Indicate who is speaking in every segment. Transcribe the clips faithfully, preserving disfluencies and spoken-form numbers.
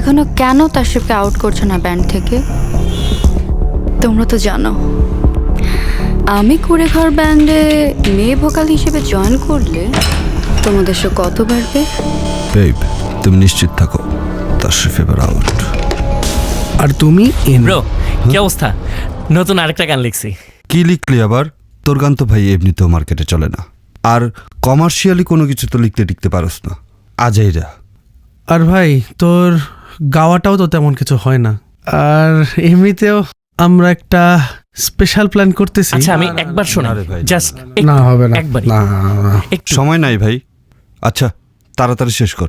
Speaker 1: এখনো কেন তাশরিফকে আউট করছো না ব্যান্ড থেকে? তোমরা তো জানো আমি কুড়েঘর ব্যান্ডে মেয়ে ভোকাল হিসেবে জয়েন করলে তোমাদের শো কত বাড়বে।
Speaker 2: বেব, তুমি নিশ্চিত থাকো, তাশরিফ এবার আউট।
Speaker 3: আর তুমি
Speaker 4: ব্রো, কি অবস্থা? নতুন আরেকটা গান লিখছি।
Speaker 2: কি লিখলি আবার? তোর গান তো ভাই এমনিতেও মার্কেটে চলে না, আর কমার্শিয়ালি কোনো কিছু তো লিখতে টিকতে পারস না। আজাইরা।
Speaker 3: আর ভাই তোর গাওয়াটাও তো তেমন কিছু হয় না, আর এমনিতেও আমরা একটা স্পেশাল প্ল্যান করতেছি।
Speaker 4: আচ্ছা আমি একবার শোনা,
Speaker 2: আরে ভাই,
Speaker 4: জাস্ট
Speaker 3: না হবে না,
Speaker 4: একবার
Speaker 3: না
Speaker 4: একটু।
Speaker 2: সময় নাই ভাই। আচ্ছা তাড়াতাড়ি শেষ কর।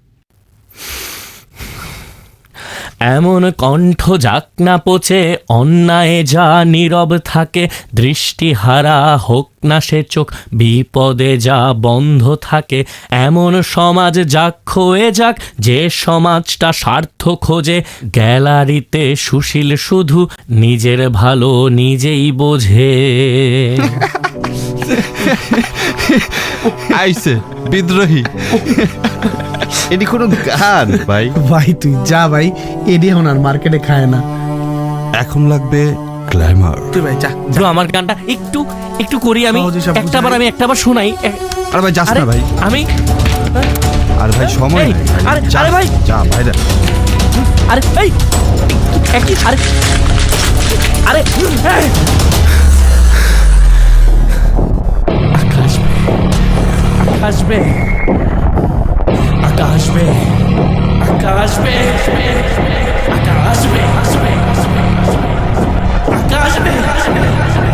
Speaker 4: এমন কণ্ঠ যাক না পচে, অন্যায় যা নীরব থাকে, দৃষ্টিহারা হোক না সে চোখ, বিপদে যা বন্ধ থাকে, এমন সমাজ যাক ক্ষয়ে যাক, যে সমাজটা স্বার্থ খোঁজে, গ্যালারিতে সুশীল শুধু নিজের ভালো নিজেই বোঝে।
Speaker 2: আইসে বিদ্রোহী। এটি কোনো গান ভাই?
Speaker 3: ভাই তুই যা ভাই, এডি এখন আর মার্কেটে খায় না।
Speaker 2: এখন লাগবে গ্ল্যামার।
Speaker 3: তুই ভাই যা।
Speaker 4: ব্রো আমার গানটা একটু একটু করি আমি,
Speaker 3: সহজে সব
Speaker 4: একটা বার
Speaker 3: বুঝাই।
Speaker 4: আমি একটা বার শোনাই।
Speaker 2: আরে ভাই যাস
Speaker 4: আরে
Speaker 2: না ভাই।
Speaker 4: আমি
Speaker 2: আর ভাই সময়
Speaker 4: এই,
Speaker 2: নেই ভাই।
Speaker 4: আরে,
Speaker 2: যা,
Speaker 4: আরে ভাই।
Speaker 2: যা ভাই রে।
Speaker 4: আরে এই একই আরে আরে এই! আকাশ বে আকাশ বে আকাশ বে আকাশ বে আকাশ বে আকাশ বে